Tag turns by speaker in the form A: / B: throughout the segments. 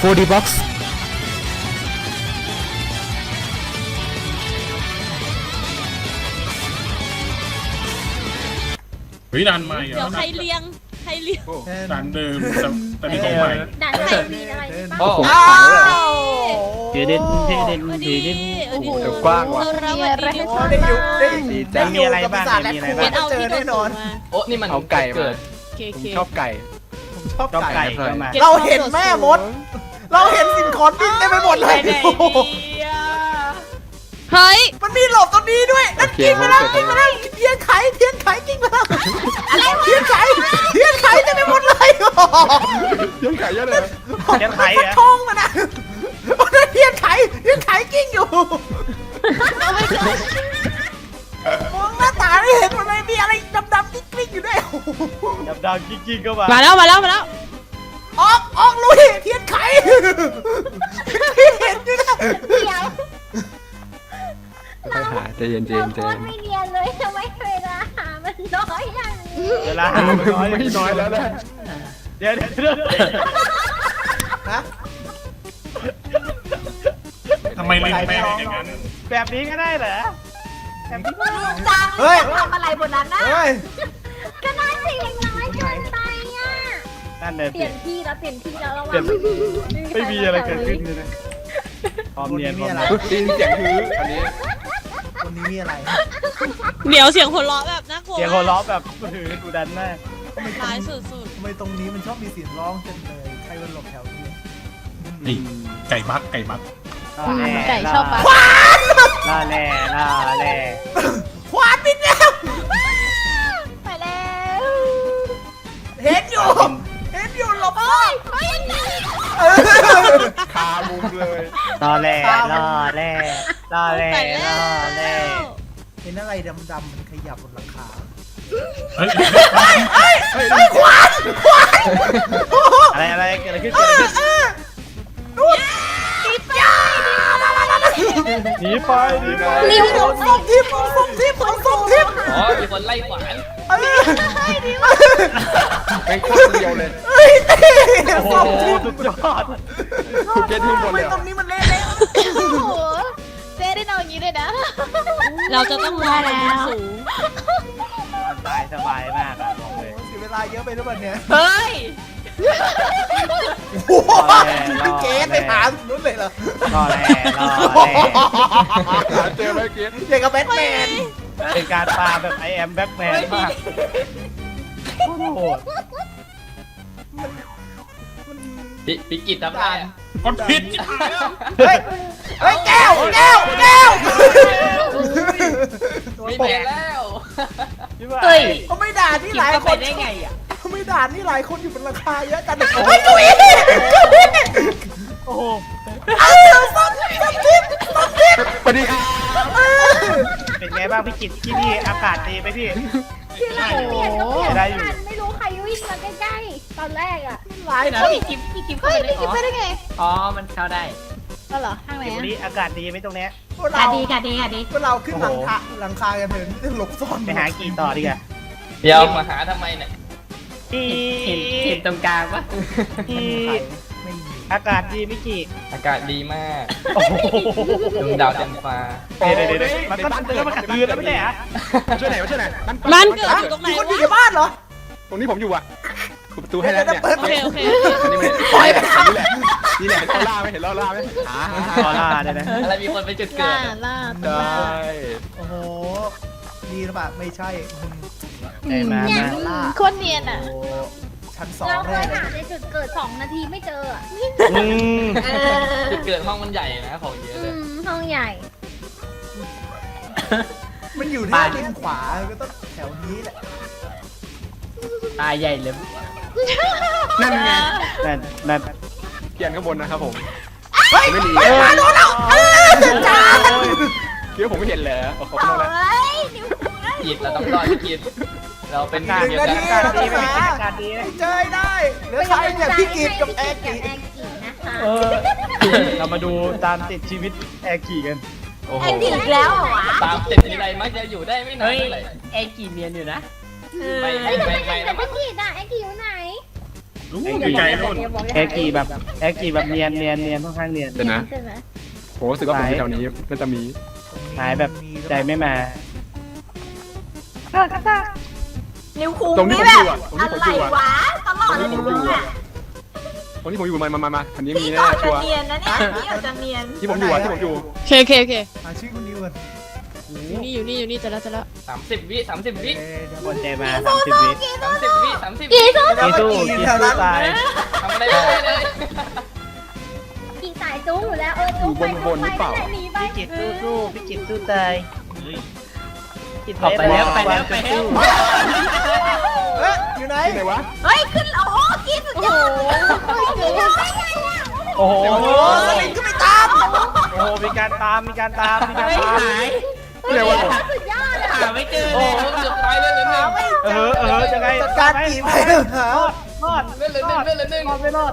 A: 4D box
B: เฮ้ยดันใหม่
C: เดี๋ยวใครเลี้ยง
B: ดันเดิมแต่มีของใหม่
D: ด่านใครมีอะไรบ้าง
E: โอ้โห
F: เด่น
C: สวัสดี
E: กว้างว่ะ
C: เราสวัสดีทุกคน
G: ได้อยู่ได้
F: ดี
G: ได้
F: จัง
G: อยู่กับปีศาจและครู
C: เป็นเอา
G: เจ
C: ที่
G: อ
C: โด
G: แน่
C: น
G: นอน
C: มา
E: โอ้นี่มัน
A: เอาไก่มา
E: เกิด
C: เค
A: ผมชอบไก่
G: ผมชอบ
F: ชอบ
G: ไก่
F: ไก่ก็มา
G: เราเห็นแม่มด เราเห็นสิ่งของดิ้นเต็มไปหมดเลย
C: เฮ้ย
G: มันมีหลบตรงนี้ด้วยนั่นกิ้งไปแล้วกิ้งไปแล้วเทียนไขกิ้งไปแล้วอะไรเทียนไขเต็มไปหมดเลย
A: ยังไก่เยอะเลย
F: เทียนไขเหรอ
G: ทองมันนะโอ้ยเทียนไขกิ้งอยู่มองหน้าตาไม่เห็นมันเลยมีอะไรดำๆกิ้งอยู่ด้วย
F: ดำๆกิ๊กๆก็มา
C: มาแล้ว
G: ออกลุยเทียนไขเห็นอยู่นะ
D: เดี๋ยว
A: ไปหาใจเย็น
D: เราโคตรไม่เรียนเลยทำไมเวลาหามันน้อยอย่างนี้
F: เวลาหาน้อย
A: ไม่น้อยแล้วนะ
F: เดี๋ยว
G: ฮะ
B: ทำไมลิงแม่งอย่างนั้น
F: แบบนี้ก็ได้เหรอแบบนี้
D: จัง
G: เฮ้ย
D: ทำอะไรบนนั้นนะ
G: เฮ้ย
D: ก็น่าจะยังน้อยเกินไปอ่ะ
F: นั่นเดิน
D: เปลี่ยนที่แล้วระวัง
F: ไม่มีอะไรเกิดขึ้นเลยนะพร้อมเนียนพร้อม
A: ได้ยินเสียงฮืออันนี้
G: คนนี้มีอะไร
C: เดี๋ยวเสียงหัวเราะแบบน่ากลัว
F: เสียงหัวเราะแบบถือดูดันมาก
C: ร้ายสุด
G: ทำไมตรงนี้มันชอบมีเสียงร้องจังเลยใครมันหลบแถวนี้
B: นี่ไก่บัก
C: ไก่ชอบปะ
F: ล่าแร่ล่าแร่
G: ควานบินแล้ว
D: ไปแล้ว
G: เห็นอยู่หลบซ่อน
A: คามุมเลย
F: ล่าแร่ล่าแร่ล่าแร่
C: ไก่แล้
F: ล่าแร่
C: ว
G: เห็นอะไรดำๆมันขยับบนหลังคา
B: เฮ้ย
G: ควาน
F: อะไรเกิดอะไรขึ้น
G: นู่น
F: หนีไป
D: นิ้ว
G: ส่งทิพย์
E: อ๋อมีคนไล่ขวาน
A: เป็นโคตรเดียวเลย
F: โอ้โห
G: ส่งทิพย์
F: สุดยอด
A: คุณเกตทิ้งบน
G: ทำไม
A: เลย
G: ตรงนี้มันเละ
D: โอ้โหเจ๊ได้นอนอย่างนี้เลยนะ
C: เราจะต้องมองบนสูง
F: ตายสบายมากอะบอกเลย
G: เสียเวลาเยอะไปหรือเปล่าเนี่ย
C: เฮ้ย
G: โอ้โหพี่เกสไปหานู้นเลยเหรอ
F: ล่อแร่ล่อแร่
A: หาเจอไหมเกต
G: อย่างกับแบทแมน
F: เป็นการปาแบบไอแอมแบ็กแมนมากโหด
E: ปิกิจทำงาน
B: คนผิด
G: เฮ้ยแก้ว
E: ไม่แพ้แล้ว
C: เฮ้ย
G: เขาไม่ด่าที่หลายคน
C: ได้ไงอ่ะ
G: เขาไม่ด่าที่หลายคนอยู่บนราคาเยอะจังเฮ้ยจุ๊ย
F: โอ้โห
G: ส้มทิพย์
A: สวัสดีครับ
F: เป็นไงบ้างพี่กิจที่นี่อากาศดีไหมพี่
D: ที่เราเปลี่ยนก็เปลี่ยน
F: ได้
D: ไม่
F: อยู่
D: ทันไม่รู้ใครวิ่งมาใกล้ๆตอนแรกอ่ะ
G: หลายคน
D: พี่กิ๊บไปได้ไง
E: อ๋อมันเข้าได้
D: ก็เหรอทางไหน
F: วัน
D: อ่ะ
F: นี้อากาศดีไหมตรงเนี้ย
G: พวกเรา
D: ดีค่ะดี
G: พวกเราขึ้นหลังคากันเถอะหลบซ่อน
F: ไปหากี่ต่อดีกว่า
E: เดี๋ยวมาหาทำไมเนี่ย
F: ที่
E: เห็นตรงกลางปะ
F: ที่
G: ไม่มี
F: อากาศดีพี่กิจ
E: อากาศดีมาก
F: โอ้โห
E: ดวงดาวเต็มฟ้า
F: เดี๋ยวมันก็มันขัดคืนแล้วไม่ใช่เหรอ
A: ช่วยไหนช่วยไหน
C: บ้านเกิดอยู่ตรงไหน
G: มีคนอยู่
C: วะ
G: ในบ้านเหรอ
A: ตรงนี้ผมอยู่อ่ะคุณประตูให้แล้วเนี่ย
C: โอเค
A: อันนี้ไม่ปล่อยไปครับนี่แหละเห็นล่าไหมเห็นล่าไหม
F: ออร่าเนี่ยนะ
E: อะไรมีคนไปจุดเกิดอะ
A: ได้
G: โอ้โหดีหรือเปล่าไม่ใช่
F: ไอ้มา
G: ล่า
D: คนเนียนอ่ะ
G: โอ้ชั้นสอง
D: เราเค
G: เลย ย
D: หาในจุดเกิด2 นาทีไม่เจออ่ะ
E: จุดเกิดห้องมันใหญ่นะของเยอะเลย
D: ห้องใหญ่
G: มันอยู่ที่ริมขวาก็ต้องแถวนี้แหละ
E: ตายใหญ่เลย
A: นั่นไง
F: นั่น
A: เกียนข้างบนนะครับผม
G: เฮ้ย
A: ไม่หนี
G: มาโดนแล้วจาน
A: คิดว่าผมไม่เห็นเลยโอ้โห
D: เอ้
A: ต้องแล้ว
D: ยนิ้ว
E: กิจเราต้องรอดพี่กิจเราเป็น
F: อากาศ
E: เดียว
F: อา
E: กัน
F: กาศดีไหมอากาศดีไหม
G: เจอได้เหลือใครอย่างพี่กิตกับแอร์กิ
D: นะคะ
F: เรามาดูตามติดชีวิตแอร์กี่กัน
E: โอ้โห
D: แอนดี้อีกแล้วเหรอวะ
E: ตามติดทีไรมักจะอยู่ได้ไม่นานเท่าไหร่
H: เอกี่เนียนอยู่นะ
E: ไม่
D: เฮ้ยแต่
E: ไม่
D: ไม่
E: ไม่
D: เห็นแต่พี่กีดอ่ะแอนดี้อยู่ไหน
B: ไกลๆนู่น
F: แอร์กีแบบเนียนค่อนข้างเนียน
A: เดี๋ยวนะ
D: ใช่ไหม
A: ผมรู้สึกว่าผมอยู่แถวนี้มันจะมี
F: หายแบบใจไม่มา
D: นิวคู
A: ตรงที่
D: นี่
A: ผม
D: แบ
A: อยู่
D: บ
A: อ่ะตรงที่
D: อะ
A: ผม
D: ไร
A: อยู่อ่ะ
D: วะตลอดเลยมึงอ่ะ
A: ตรงที่ผมอยู่มาอันนี้มี
D: พี่
A: แน่
D: ก่อน
A: ชั
D: จะ
A: วร์
D: เนียนนะเนี่ยพี่ก่อนจะเนียน
A: ที่ผมอยู่อ่ะที่ผมอยู่
C: โอเคโอเค
G: หาชื่อคุณนิวก่อน
C: อยู่นี่เจอแล้ว
E: 30 วิ30 วิ
F: คนใจมา30 วิ
E: 30 วิ30 วิ
F: กีสู้ตาย
E: ทำอะไรไม่ได้เลย
D: กี่สายจู้อยู่แล้วจู้ไปจู้ไปนั่นแหละหนีไป
F: พี่กิตสู้พี่กิตสู้ตาย
E: ไปแล้วไปแล้ว
G: เอ๊ะอยู่ไหน
A: ที่ไหนวะ
D: เฮ้ยขึ้นโอ้โหกินสุดยอด
F: โอ้โห
G: โอ้โหสลิงก็ไม่ตาม
F: โอ้โหมีการตาม
A: ที่ไหนวะ
D: สุดยอดอ่ะ
E: หาไม่เจอโอ้เกือบตายเลยเลยหนึ่ง
F: จะไง
G: จัดการกี่ไปหาร
F: อด
E: เล่นเลยหนึ่งเล่นเลยหนึ่ง
F: ไม่รอด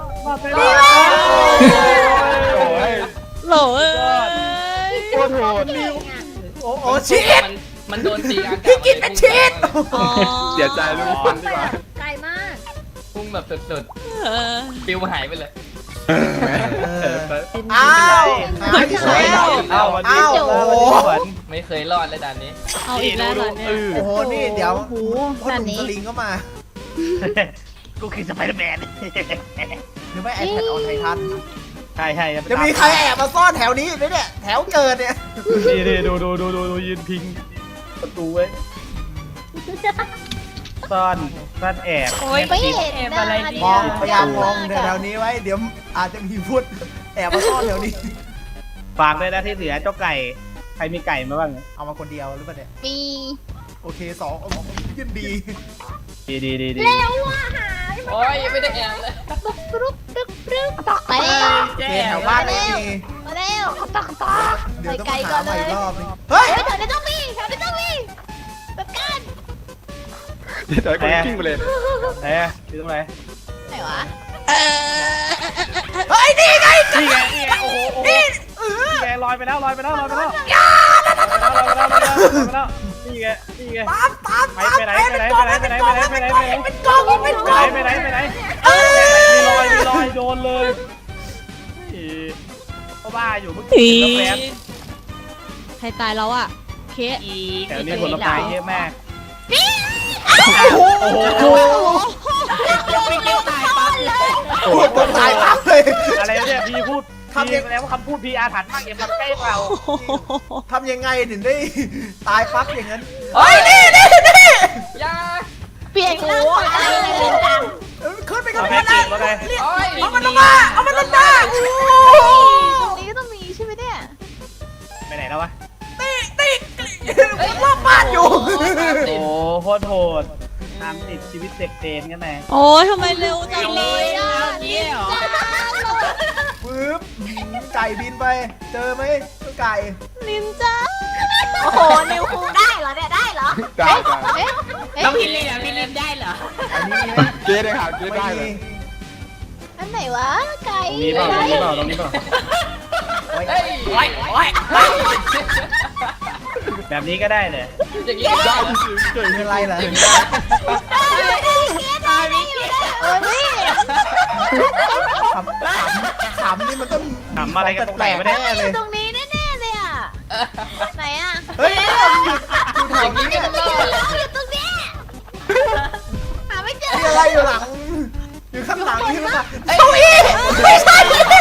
A: โอ้ย
C: โหลเอ้ย
A: โคตรโหด
G: โอ้โหชีด
E: มันโดนตีอากาศ
G: พี่กินเป็นชีส
A: เสียใจลูกฟันดีกว่า
D: ไกลมาก
E: พุ่งแบบสุดๆปิวหายไปเลย
G: อ้าวหายไปแล้ว
F: เอาวันนี้
G: อ้าวโอ้โห
E: ไม่เคยรอดเลยด่านนี้
C: เอาอีกแล้วเหรอเนี่ย
G: โอ้โหนี่เดี๋ยว
C: โอ้โห
G: พ่อหนุ่มสลิงก็มา
F: กูคือสไปเดอร์แมน
G: หรือไม่ไอแพดออนไททัน
F: ใช่
G: จะมีใครแอบมาซ่อนแถวนี้ไหมเนี่ยแถวเกิดเนี่ย
F: นี่ดูยืนพิงประตูไว้ซ่อนแอบ
D: โอ้ยไม่เห็นอะไรดี
G: มองพยายามมองแถวนี้ไว้เดี๋ยวอาจจะมีพุทธแอบมาซ่อนแถวนี้
F: ฝากเลยนะที่เหลือเจ้าไก่ใครมีไก่มาบ้าง
G: เอามาคนเดียวหรือเปล่าเนี่ย
D: มี
G: โอเคสองยินดี
F: ดี
D: เร็วว่ะหา
E: โอ้ยยังไม่ได้แอบเลย
D: ปรุ๊บไป
G: โอเคแถวบ้านไม่มี
D: มาเร็วตอก
G: เดี๋ยวต้อง
D: ไกล
G: หา
D: ก่อน
G: ให
D: เล
G: ม่
D: ย
G: อีกรอบนึงเฮ้ย
D: แถวนี้ต้องมีจัดการ
A: เดี๋ยวคนกิ้งไปเลย
F: ไหนอยู่ตรงไหน
D: ไหนวะ
G: เฮ้ยนี่ไง
F: นี่ไงโอ้โหนี่ไงลอยไปแล้วนี่ไง
G: ตาม
F: ไปไหนเป็นกอง
G: มีล
F: อยโดนเลยก็บ้าอยู่เมื่อกี้แล้วแป๊บ
C: ใครตายแล้วอ่ะเคส
F: แถวนี้ผลไม้เยอะมาก
G: โอ้โห
A: โอ้
G: พูดตรงตายปั๊บเลย
F: อะไรเนี่ยพี่พูดแล้วคำพูดพี่อาถรรพ์มากอย่ามาใกล้เรา
G: ทำยังไงถึงได้ตายปั๊บอย่างนั้น
E: เฮ้ยนี่ยา
D: เปลี่ยนหน้าขวาอะไรเลยจัง
G: ขึ้นไปกั
F: เอา
G: บ
F: แค่
G: มัน
F: จี
G: นะ
F: บแล้วไง
E: โอ้ย
G: เอามันลงมาโอ้
D: ตรงนี้ก็ต้องมีใช่ไหมเนี่ย
F: ไปไหนแล้ววะ
G: รอบบ้านอยู่
F: โอ้โคตรโหดตามติดชีวิตเด็กเตนกันแน่
C: โอ้ยทำไมเร็วจังเลยอ่ะ
G: ปึ๊บไก่บินไป เจอไหมเจ้าไก่
C: นินจ้า
D: โอ้โหนิวคูได้เหรอเนี่ยได้เหรอ
A: ได้
E: ต้องพี่ลินพี่ลินได้เหรอ
G: อันนี้
A: เกได้ค่ะเก
G: ไม่
A: ได้เล
G: มี
A: ย
D: อันไหนวะไก่
F: ตรงนี้เปล่าตรงนี้เปล่าตรงนี้เปล่า
E: เฮ้ยโอ้ย
F: แบบนี้ก็ได้เลย
E: อย่างนี้ได้
G: เป็นไรล่ะ
D: เออนี่
G: ขำนี่มันต้อง
F: ทำอะไรกันตรงไหนไม่ได้
G: แน่
D: อ
G: เลย
D: ยู่ตรงนี้แน่ๆเลยอ่ะไหนอ่ะ
G: เฮ้ยอยู่แถ
E: อ
G: ว
E: ย่างนี้
G: นี้
E: ก็รอด
D: อยู่ตรงนี้หาไม่เจอ
G: มีอะไรอยู่หลัง อยู่ข้างหลังนี่มั้งเก้าอี้ไม่ใช่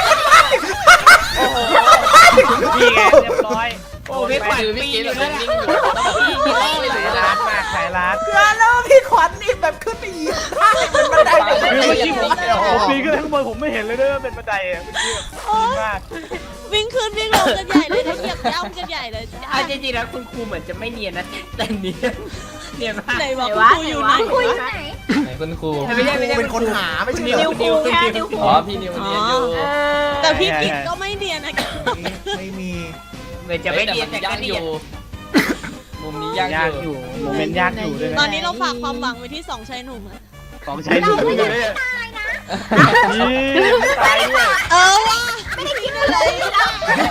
F: นี่ไงเรียบร้อย
E: โอ้พี่ขวัญพี่กินแล้วนิ่งอยู่ต้องแบบพี่กินแล้ว
F: ร้านมากขายร้าน
G: เกินแล้วพี่ขวัญนี่แบบขึ้นไปเหยียบข้างเป็นบันได
F: คือเมื่อกี้ผม
G: โอ้โห
F: ปีนขึ้นข้างบนผมไม่เห็นเลยด้วยว่าเป็นบันไดอ่ะเมื่อกี้ดีมาก
C: วิ่งขึ้นวิ่งลงกันใหญ่เลยนะเหยียบย่ำกันใหญ่เลยจ้า
E: เอาจริงๆแล้วคุณครูเหมือนจะไม่เนียนนะแต่เนียนมาก
C: ไหนบอกคุณครูอยู่ไหน
D: คุย
C: วะ
D: ไหน
E: ไหนคุณครู
G: เป็นคนหาไม่ใช่เหร
D: นิ
G: อ
D: วคูแค่นิวคู
E: อ๋อพี่นิวเนียนอยู่
C: แต่พี่กิ๊กก็ไม่เนียนนะ
G: ไม่มี
E: เหมือนจะไม่เนียนแต่ก็เนียนมุมนี้ยาก
F: ยาก
E: อ
F: อยู่ ยู่โมเมนต์ยากอยู่ด้วย
C: ตอ
F: นะ
C: นนี้เราฝากความหวังไว้ที่สองชายหนุ่มอะ
F: ของใช้ดูนี่ตายด้วย
C: เออว่ะ
D: ไม่ได้คิดอะไรเลยนะ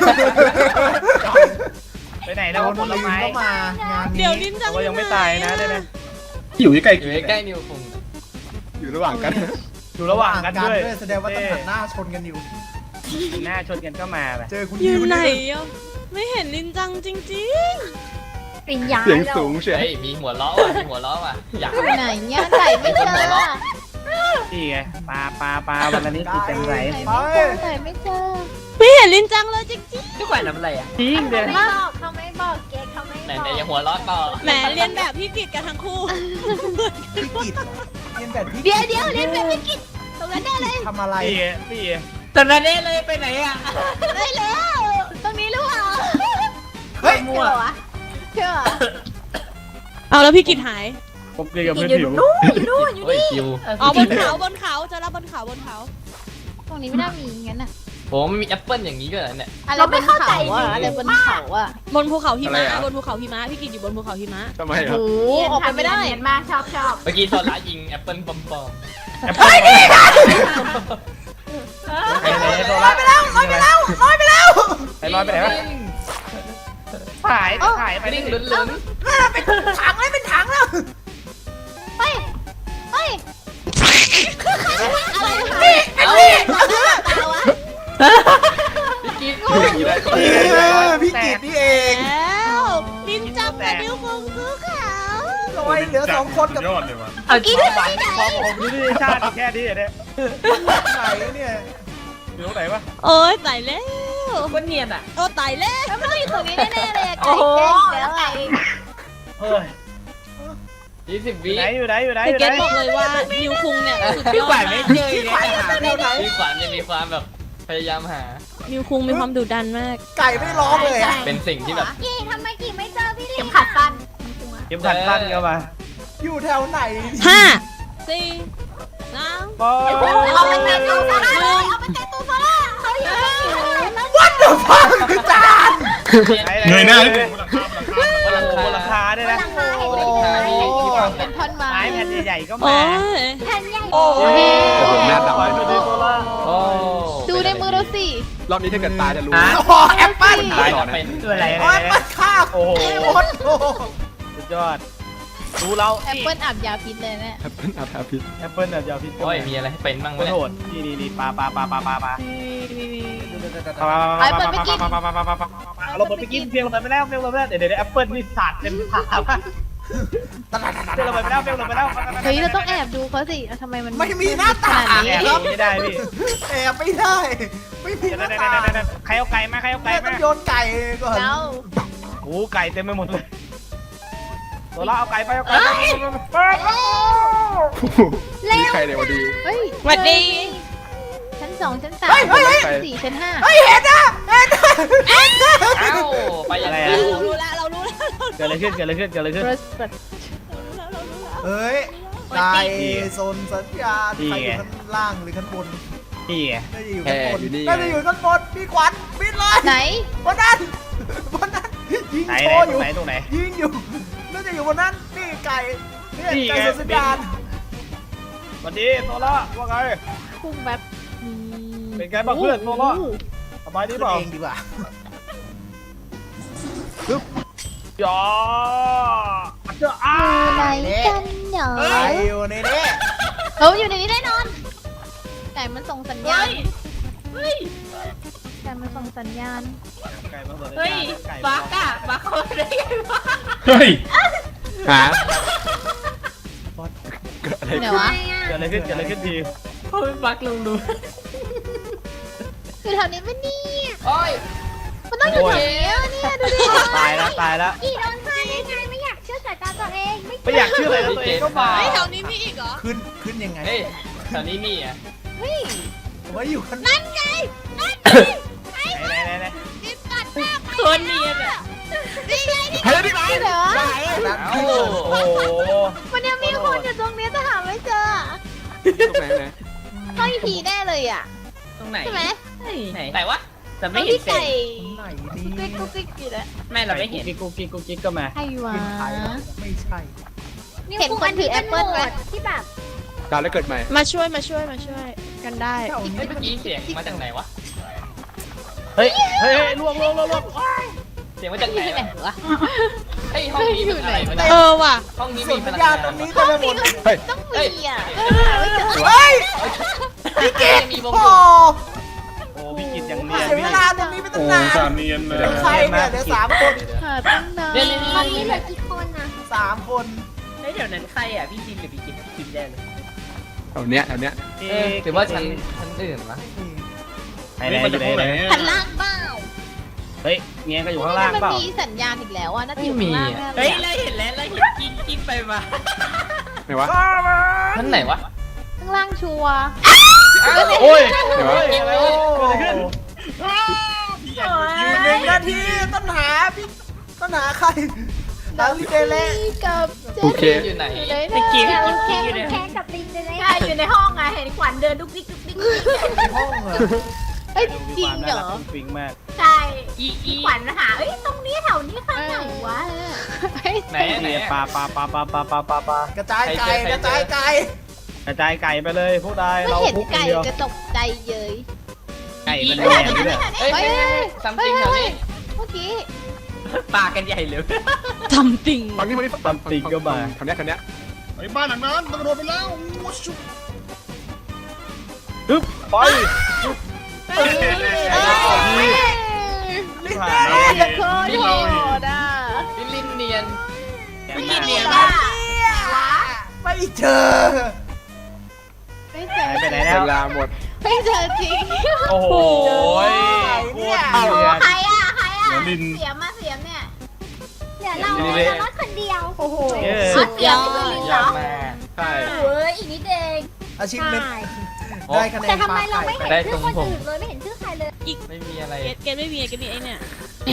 F: ไปไหน
G: โด
F: แล้ว
G: น
F: ผล
G: ลืม
F: ไม้
G: ก็มางาน
C: เดี๋ยว
G: นี้
C: นินจะ
F: ว่ายังไม่ตายนะได้ไหม
B: อยู่ใกล้
E: อยู่ใกล้นิวคง
A: อยู่ระหว่างกัน
F: อยู่ระหว่างกันด้วย
G: แสดงว่าต้องหันหน้าชนกันอยู่
F: หน้าชนกันก็มาไป
G: เจอคุณ
C: อยู่
G: ว
C: ไหน
G: นี่
C: อ่ะไม่เห็นลินจังจริง
D: ปิญญา
A: เสียงสูงเชียว
E: เฮ้ยมีหัวล้อว่ะมีหัวล้อว่ะอยาก
D: ไหนเนี่ยไก่ไม่เจอ
F: นี่ไงปลาวันละนิดติดเต็มไหล
D: ไก่ไม่เจอ
C: ๆไม่เห็นลินจังเลยจริง
E: พี่แขวนทำอะไรอ่ะ
F: จริงเดี๋ยว
D: ไม่บอกเขาไม่บอกเก๊กเขาไม่
E: ไหน
D: บอก
E: ยังหัวล้อต่อ
C: ๆแหมเรียนแบบพี่กิจกันทั้งคู่
G: พี่กิตเรียนแบบพี่
D: เดี๋ยวเรียนแบบพี่กิจตรงนั้นได้เลย
G: ทำอะไร
F: นี่ไง
E: ตอนนั้นเลยไปไหนอ่ะ
D: ได้แล้วตรงนี้หรือเปล่า
G: เฮ้ย
D: เชื่อวะเชื่อ
C: เอาแล้วพี่กิจหาย
F: ผมเรียนกับ
D: กิ
F: เพื่
D: น
F: อน
D: อยู่
F: ผิว
D: นู่นอยู่นู่นอยู่
E: โอ้ย
D: นี่
E: คิว
C: อ๋อบนเขาจะรับบนเขา
D: ตรงนี้ไม่น่ามีงั้นน่ะ
E: ผมไม่มีแอปเปิลอย่างนี้ก็เหรอเนี่ย
D: อะไรบนเขาอะอะไรบนเขาอะ
C: บนภูเขาหิมะบนภูเขาหิมะพี่กิจอยู่บนภูเขาหิมะ
A: ทำไมครับ
D: โอ้ออกไปไม่ได้เห็นมากชอบ
E: เมื่อกี้โซล่ายิงแอปเปิลปอม
F: เฮ้ยนี่นะลอยไปแล้วลอยไปแล้วลอยไปแล้วไอ้ลอยไปไหนวะถ่ายไป
E: ๆ
F: นี่
E: นิ่งลุ้น
G: เป็นถังเลยเป็นถังแล้ว
D: เฮ้ยเฮ้ย
E: ๆเอ้า พี่กิ๊ก
A: มีได้ก่อน
G: พี่กิตนี่เอง
C: แล้วลินจังกับนิ้วคงซื้อขาว
G: ลอยเหลือสองคนกับ
B: ยอดเลยว่ะ
F: เอากินไปพอผมนี่ชาติแค่นี้เนี่ย
G: ไหนเนี่ย
F: อยู่ตรงไหนวะ
C: โอ้ยตายแล้ว
E: ก็เนียนอ่ะ
C: โอ้ตายแล้ว
D: แล้วมันต้องอยู่ตรงนี้แน่ๆเลยไก่แก้แล้วไก่
F: เฮ้ย
E: 20 วิ
F: อยู่ไหน
C: แต่เกตบอกเลยว่านิวคุงเนี่ยสุดยอดมาก
E: พี่ขวัญเนี่ยมีความแบบพยายามหา
C: นิวคุงมีความดุดันมาก
G: ไก่ไม่ร้องเลยอะ
E: เป็นสิ่งที่แบบ
D: กี่ทำไมกี่ไม่เจอพี่เข็มขัดฟัน
F: เข็มขัดสั้นเข้ามา
G: อยู่แถวไหน
C: 5 4 3
F: บอล
D: เอาไปแต่ตู้โซล่าเลยเอาไปแต่ตู้โซล่าเขาอยู่ที่
G: วัดเดือดฟังจาน
B: เงยหน้าให้ถึงบนหลังคาบนหลังคา
F: บนหลังคาด้วยนะ
D: เป็นท่อนไม้
F: ไม้แผ่นใหญ่ๆก็
C: โอ้
F: มา
C: ย
D: แผ่นใหญ่
G: โอ้ย
A: โอ้โหหน้าดำ
F: ไป
A: เลย
F: ดูโซล่า
E: โอ้
D: ดูในมือเราสิ
A: รอบนี้ถ้าเกิดตาจะรู้
G: โอ้แอปเปิ้ล
E: ตายแล้วเป็น
F: ด้วยอะไร
G: โอ้แอปเปิ้ลข้าว
F: โอ้โห
G: หมดโอ้
F: สุดยอดดูเรา
D: แอปเปิ้ลอาบยาพิษเลยเนี่ย
A: แอปเปิ้ลอาทาพิษ
F: แอปเปิ้ลแบบยาวพิษ
E: โอ้ยมีอะไรให้เป็นบ้าง
F: โค
E: วะ
F: ตร
E: เนี่ย
F: โหดนี่ปลาเราหมดไปกินเพียงเราไปแล้วเดี๋ยวแอปเปิ้ลนี่สาดเต็มขาป่ะเดี๋ยวเราไปแล้ว
D: เฮ้ยเราต้องแอบดูเขาสิทำไมมัน
G: ไม่มีหน้า
D: ข
G: ต่าง
D: นาดนี้
F: แอบไม่ได้พี่
G: แอบไม่ได้ไม่มีหน้าต่าง
F: ใครเอาไก่มา
G: แม่ต้องโยนไก่ก่อน
D: เรา
F: โอ้ไก่เต็มไปหมดเลยตัวเราเอาไก่ไป
A: มีใครในวันดี
D: เฮ้ย
C: สวัสดี
D: ชั้น 2 ชั้น 3 ชั้น 4 ชั้น 5
G: เฮ้ยเห็นนะเห็นนะ
E: เอ้าไปยังไง
C: เรารู้แล้ว
F: เกิดอะไรขึ้น
G: เฮ้ยไก่โซนสัญญาณใครอยู่ข้างล่างหรือข้างบน
F: นี่ไง
G: น่าจะอยู่ข้างบนน่าจะอยู่ข้างบนพี่ขวัญบินเลย
D: ไหน
G: บนนั้นยิง
F: ไหน
G: โชว์อยู่
F: ตรงไหน
G: ยิงอยู่น่าจะอยู่บนนั้นนี่ไก่เนี่ย
F: นี่ไง
G: ไก่โซนสัญญาณ
F: สวัสดีโซล่าว่าไง
D: พุ่งแบบ
F: เป็นไงบ้างเพื่อนโซล่าสบายดี
G: ขึ้น
F: เปล่า
G: เองดีกว่า
F: จ๋อเจ้าอ้า
D: ไหนกันเหรอ
G: ไก่อยู่ในนี้
D: เขาอยู่ในนี้แน่นอนไก่มันส่งสัญญาณไก่มันส่งสัญญาณ
F: เฮ้ยบักอะ
B: เฮ้ย
A: หาเกิดอะไร
D: ไหน
A: ขึ้น
D: วะ
F: เกิดอะไรขึ้นที
D: คือแถวนี้ไม่นี่
E: โอ้ย
D: มันต้องอยู่แถวนี้เนี่ยดูดิ
F: ตายแล้ว
D: กี่โดนฆ่าได้ไงไม่อยากเชื่อสายตาตัวเองไม่
F: ไม่อยากเชื่อเลยนะตัวเองก็มา
C: เฮ้ยแถวนี้มีอีกเหรอ
G: ขึ้นยังไง
E: เฮ้ยแถวนี้มีอ่ะ
D: เฮ้ย
G: ผมว่าอยู่ข้าง
D: นั่นไง
F: ไหน
D: กินกัดหน้าไป
C: คนเนียนอ่ะ
D: นี่ไงนี่
A: เฮ้ยนี่ไง
D: เหรอ
G: นั้น
E: เอ้า
F: โอ้โห
D: มันยังมีคนอยู่ตรงนี้แต่หาไม่เจอ
A: ตรงไหนไหน
D: ต้องอีพีแน่เลยอ่ะ
E: ตรงไหน
D: ใช่ไหม
E: ไหนวะ
D: แต่ไม่เห็นไก่
G: ไหน
D: กุ๊
G: ดี
D: กกิ๊กอยู่แล้ว
E: ไม่เราไม่เห็น
F: กุ๊กกิ๊กก็มา
D: ใครวะ
G: เป็นใครไม่ใช่
D: เห็นคนถือแอปเปิ้ลไหมที่แบบ
A: ตายแล้วเกิดใหม่
C: มาช่วยกันได้
G: แถวนี้
E: เฮ้ยเมื่อกี้เสียงมาจากไหนวะ
F: เฮ้ยล่วง
E: เสียงมาจากไหน
D: ที่ไหน
E: วะ
D: วะ
E: เฮ้ยห้องนี้เป็นอะไรวะเนี่ย
C: เออว่ะ
E: ห้องนี้
G: ส่
E: มี
G: วน
E: พ
G: สัญ
E: ลัง
G: ญาณ
E: งาน
G: ตรงนี้
E: วะ
G: เต็มไปหมด
A: เฮ้ย
D: ต้องมีอ่ะหาไม่เจอ
G: เฮ้ยพี่เกด
E: มีวง
G: โอ้
E: อยู่
F: โอ้พี่กินอย่างเนียน
G: เสีย
F: พี่
G: เวลาตรงนี้ไปตั้ง
B: โอ้
G: นาน
B: สามเนียนเลย
G: เป็นใครเนี่ยเดี๋ยว3 คน
C: หาตั้งนาน
E: เนี่ยนี่
D: ตอนนี้เหลือกี่คนนะ
G: 3 คน
H: เฮ้ยเดี๋ยวนั้นใครอ่ะพี่จินหรือพี่กินพี่กินแน่เลย
A: แถวเนี้ยแถวเนี้ย
E: หรือว่าชั้นอื่นวะ
F: ไหนไหน
B: นี่มัน
F: อ
B: จะ
F: ยู่ไหน
B: เข้าไหน
F: ไหน
C: ชั้นล่างเปล่า
F: เฮ้ยเงี้ยก็อยู่ข้างล่าง
C: มัน
F: เปล่า
C: มีสัญญาณอีกแล้วอ่ะน่าจะอยู่ข้างล่างแน่เล
H: เฮ้
C: ย
H: ย
C: อะ
H: เราเห็นแล้วเราเห็นกินไปมา
A: ไหนวะ
E: ชั้นไหนวะ
C: ข้างล่างชัวร์
F: โอ้ย
A: ไหนวะ
F: อะไรวะเกิดอะไรขึ้น
G: อยู่1 นาทีต้นหาพี่ต้นหาใครหาพี่เจเล่
C: กับเจ
A: โอเค
E: อยู่ไหน
C: อยู่ไหน
H: ตะกี้
C: นะ
H: พี่
D: แค่
H: กินอยู่เนี่ย
D: แค่กับลิงเลย
I: ใช่อยู่ในห้องไงเห็นขวัญเดินดุกดิกดุกดิก
G: ในห้องเหรอ
C: เอ้ย
F: ดู
C: จริ
F: ค
C: ง
F: วาม
C: เหร
F: น่ารัก
C: อ
F: ฟุ้งฟิ้งมาก
I: ใช่
H: อีอี
I: ขวัญหาเอ้ยตรงนี้แถวนี้ข้างไหนวะ
E: ไหนไหน
F: เนี่ยปลา
G: กระจายไก่กระจายไก่
F: กระจายไก่ไปเลยพวกนาย
C: ไม่
F: เรา
C: เห็น
F: คุกคน
C: ไก่
F: เดียว
C: จะตกใจเย้ย
F: ไก่มันแย่ด้วยเนี่ย
E: เฮ้ยซัมติงแถวนี้
C: เมื่อกี้
H: ปากันใหญ่เลย
C: ทำจริง
A: ฝั่งนี้มาดิฝั่งนี้แถวเนี้ยแถวเนี้ย
B: ไอ้บ้านหลังนั้นต้องโดนไปแล้วโอ้ชุบ
F: ฮึบไป
G: ลิง
F: ผ่า
G: เน่
F: นแล้ว
C: โคตรโหดอ่ะ
E: พี่ลินเนียน
H: พี่กินเนี่ย
G: ไม่เจอ
C: ไม่เจอ
F: หายไปไหนแล้ว
A: เวลาหมด
C: ไม่เจอจริง
F: โอ้โหโคตรเดือด
I: ใครอ่ะใครอ่ะ
B: เดี๋ยวลิน
I: เสียมาเสียเนี่ย
D: เดี๋ยวเรารถคนเดียว
G: โอ้โห
C: สุดยอด
E: ยอดมาก
A: ใช่
I: เฮ้ยอีกนิดเอง
G: อาชีพเม็ด
D: ใช่
G: ได้คะแนน
D: แต่ทำไมเราไม่
G: ปล
D: เห็นชื่อคนอื่นเลยไม่เห็นชื่อใครเลย
E: ไม่มีอะไร
C: เกตไม่มีเกตมีไอ้เนี่ย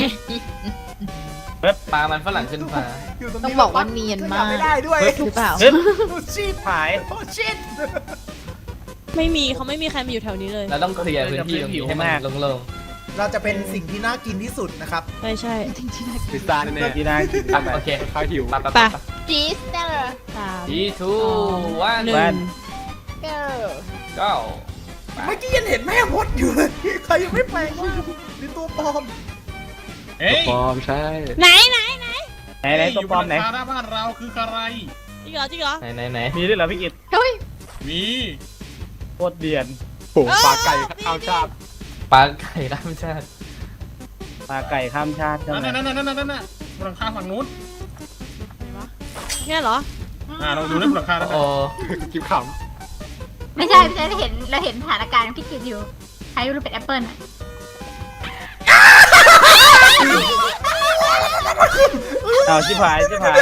E: ปลามันฝรั่งขึ้นฟ้า
G: อยู่ตรง
C: ต้อ
G: นี้
C: งบอกว่าเนียนมาก
G: ไม่ได้ด้วย
C: หรือเปล่า
F: ฮึบ
G: โอ้ชิต
F: หาย
G: โอ้ชิต
C: ไม่มีเขาไม่มีใครมาอยู่แถวนี้เลย
E: เราต้องเคลียร์พื้นที่ตรงนี้ให้มันโล่ง
G: เราจะเป็นสิ่งที่น่ากินที่สุดนะครับ
C: ใช่ใช่
A: พิซซ่าแน่
F: ที่น่ากิน
E: ๆอ่ะโอเค
A: ๆข้าวหิว
E: ปะปะ
C: ไป
E: ปะ
C: จีสเตอร์สาม
E: ทีทูวัน
C: หนึ่งเก้า
E: เก้า
G: เมื่อกี้ยังเห็นแม่มดอยู่เลย ใครยังไม่แปลงร่างเป็นตัวปลอม
B: เฮ้ย
A: ปลอมใช่
C: ไหน
F: ไหนตัวปลอมไหน
B: หน้าบ้านเราคือใคร
C: จริงเหรอจริงเหรอ
E: ไหน
F: มีด้วยเหรอพี่กิต
C: เฮ้ย
B: มี
F: โคตรเดือด
A: โหปลาไก่ข้าวชาบ
E: ปลาไก่ร่ามชาติ
F: ปลาไก่ข้ามชาติใช่ไหม
B: นั่นบนหลังคาฝั่งนู้น
C: เนี่ยเหรอ
B: เราดูได้บนหลังคาแล้ว
E: โอ้
A: กิ๊บข
I: ไม่ใช่เราเห็นสถานการณ์พี่กินอยู่ใครรู้เป็นแอปเปิ้ลอ่ะ
F: เอาชิบหาย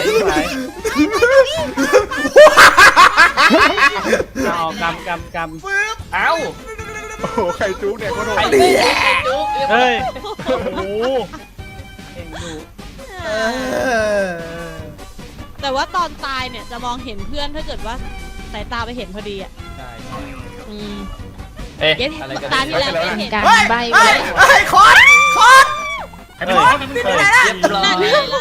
F: เอากำ
E: เอ้า
A: ำโอ้โหไข่จุ๊กเนี่ยโคตรโห
E: ไข่
A: ด
E: จุ๊กไข่จุ๊ก
F: เฮ้ยโอ้โหเอ็งดู
G: เออ
C: แต่ว่าตอนตายเนี่ยจะมองเห็นเพื่อนถ้าเกิดว่าสายตาไปเห็นพอดีอ่ะ
E: ใช่
C: อืม
E: เอ๊ะ
C: เก็ต
E: อะไรกัน
C: ตาที่แล้วไม่เห็นการ
G: เฮ้ย
C: ใบ
G: เฮ้ยเฮ้ยคอน
B: ใครเป็นคนเป็นคน
E: เรียบร้อย
C: นั่นไงล่ะ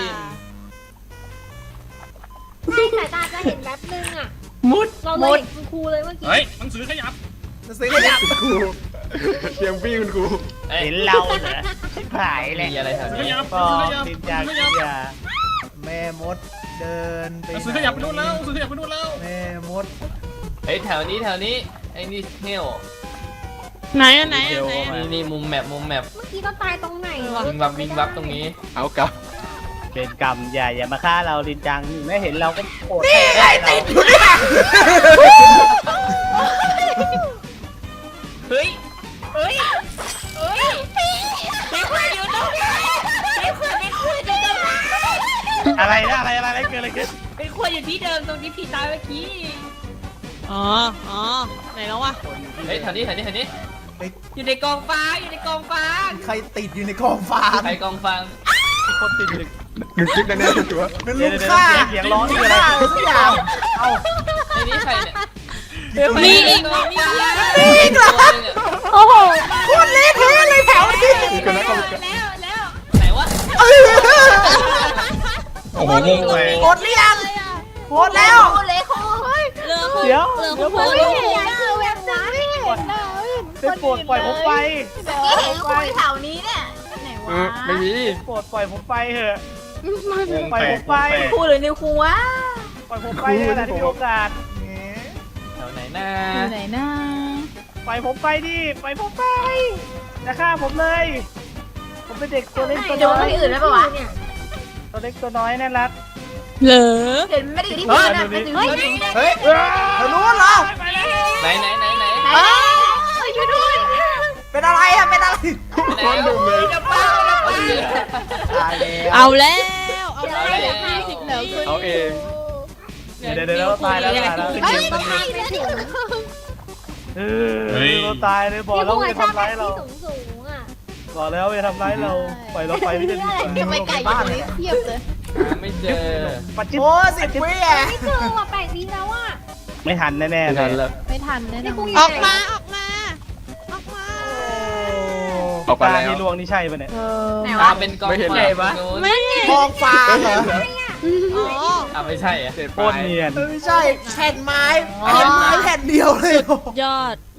D: ไม่สายตาจะเห็นแป๊บนึงอ่ะ
H: มุด
D: เราเลยเห็นคุณครูเลยเมื่อกี้
B: เฮ้ยหนังสือขยับ
G: จะซื้อขยับ
A: ครูเตรียมพี่คุณครู
F: เห็นเราเหรอชิบหายเลย
E: มีอะไรแถว
B: หนังสือข
E: นี้
B: ยับ
F: ปอติดยากินยา
G: แม่มดเดินไป
B: หนังสือขยับไปนู่นแล้วหนังสือขยับไปนู่นแล้ว
G: แม่มด
E: เฮ้ยแถวนี้ไอ้นี่เทล
C: ไหนอันไหนอันไหน
E: นี่มุมแมป
D: เมื่อกี้เราตายตรงไหนวะ
E: วิ่งวับตรงนี้
A: เอากลับ
F: เป็นกรรมอย่ามาฆ่าเราลินจังไม่เห็นเราก็โกรธ
G: นี่ไงติดอยู่เนี่ย
H: เฮ้ยเฮ้ยเฮ้ยพี่คุยอยู่ตรงนี้พี่คุยอยู่ตรงนี้
F: อะไรนะอะไรเกิดอะไรขึ้น
H: พี่คุยอยู่ที่เดิมตรงที่พี่ตายเมื่อกี้
C: อ๋อไหนแล้ววะ
E: เฮ้ยแถวนี้
H: อยู่ในกองฟ้าอยู่ในกองฟ้า
G: ใครติดอยู่ในกองฟาง
E: ใครกองฟัง
F: คนติดอยู่
A: หนึ่งกิ๊บแน่ๆชัวร์
G: นั่นลูกฆ่า
F: เสียงร้องนี่อะไร
G: ฆ่าอะไรสักอย่าง
F: เอ้า
E: ไอ้นี่ใครเนี่ย
C: มีอีก
E: กองฟ้า
G: อีกเหรอ โอ้โหโคตรเละเทะเลยแถวนี้
A: ๆกันแล้วก็
E: ไหนวะ
B: โอ้โหงงเลย
G: หมดหรือยังหมดแล้ว
I: เลยครู
C: เรือคุณ
F: เดี๋ยว
C: เรือคุณพูด
D: ไม่เห็นยายคือแวบนะไม่เห็นนะ
F: เป็นโปรดปล่อยผมไป
I: เห็นครูแถวนี้เนี่ยไหนวะ
A: ไม่มี
F: โปรดปล่อยผมไปเถอะ
B: งง
F: ปล่อย
B: แปล
F: ผ
B: ก
F: มไป
I: ครูหรือนิวครูวะ
F: ปล่อยผมไปในขณะที่มีโอกาส
E: แถวไหนนะ
C: อยู่ไหนนะ
F: ไปผมไปดิไปผมไปจะฆ่าผมเลย ผมเป็นเด็กตัวเล็กตัว
I: เดี๋ยว
F: น้อ
I: ไป
F: ย
I: อื่นแล้วปะวะ
F: ตัวเล็กตัวน้อยน่ารัก
C: เหรอ
I: เห็นไม่ได้อยู่ที่พื้นนะเป็นอยู่ที่พื้น
G: เฮ้ยเธอรู้เหรอ
E: ไหน
I: ช่วยด้วย
G: เป็นอะไรอะเป็นอะไร
A: คนดุเลย
G: ตายแล้ว
C: เอาแล้วเอาแล้วเหลือ50แล้ว
A: เอาเอง
F: เดี๋ยวตายแล้วตายแล้ว
D: เฮ้ยต้องมาอีกแล้วดิ
F: เราตายเลยบอกแล้วอย่าทำร้ายเรา
D: สูงอ่ะ
F: บอกแล้วอย่าทำร้ายเราปล่อยเราไปไม่ได้ดีกว่า
D: ทำไมไก่อยู่นี้เทียบเลย
E: ไม่เจอ
F: ปัจจิ
G: โอ้10 วิอ่ะ
D: ไม่เจอว่ะ8 วิแล้วอ่ะ
F: ไม่ทันแน่ๆ
A: ไม่
F: เล
A: ทัน
F: ย
A: แล้ว
C: ไม่ทันแน่น
D: นี่
C: อ
D: คุ
C: น
D: ณ
C: ออกมาออกมาออกมา
A: ออกไปแล้ว
F: ที่ลวงนี่ใช่ปะเนี่ย
I: ไหนวะ
E: เป็นกอง
A: ไม่เห็น
E: ไฟ
A: เลย
C: ไม่เห็น
G: ทองฟ้าเหรอ
C: อ๋อ
E: ไม่ใช่อะ
A: เสร็จ
F: โค
A: ไป
F: ตรเนียน
G: ไม่ใช่แผ่นไม้แผ่นเดียวเลย
C: ยอด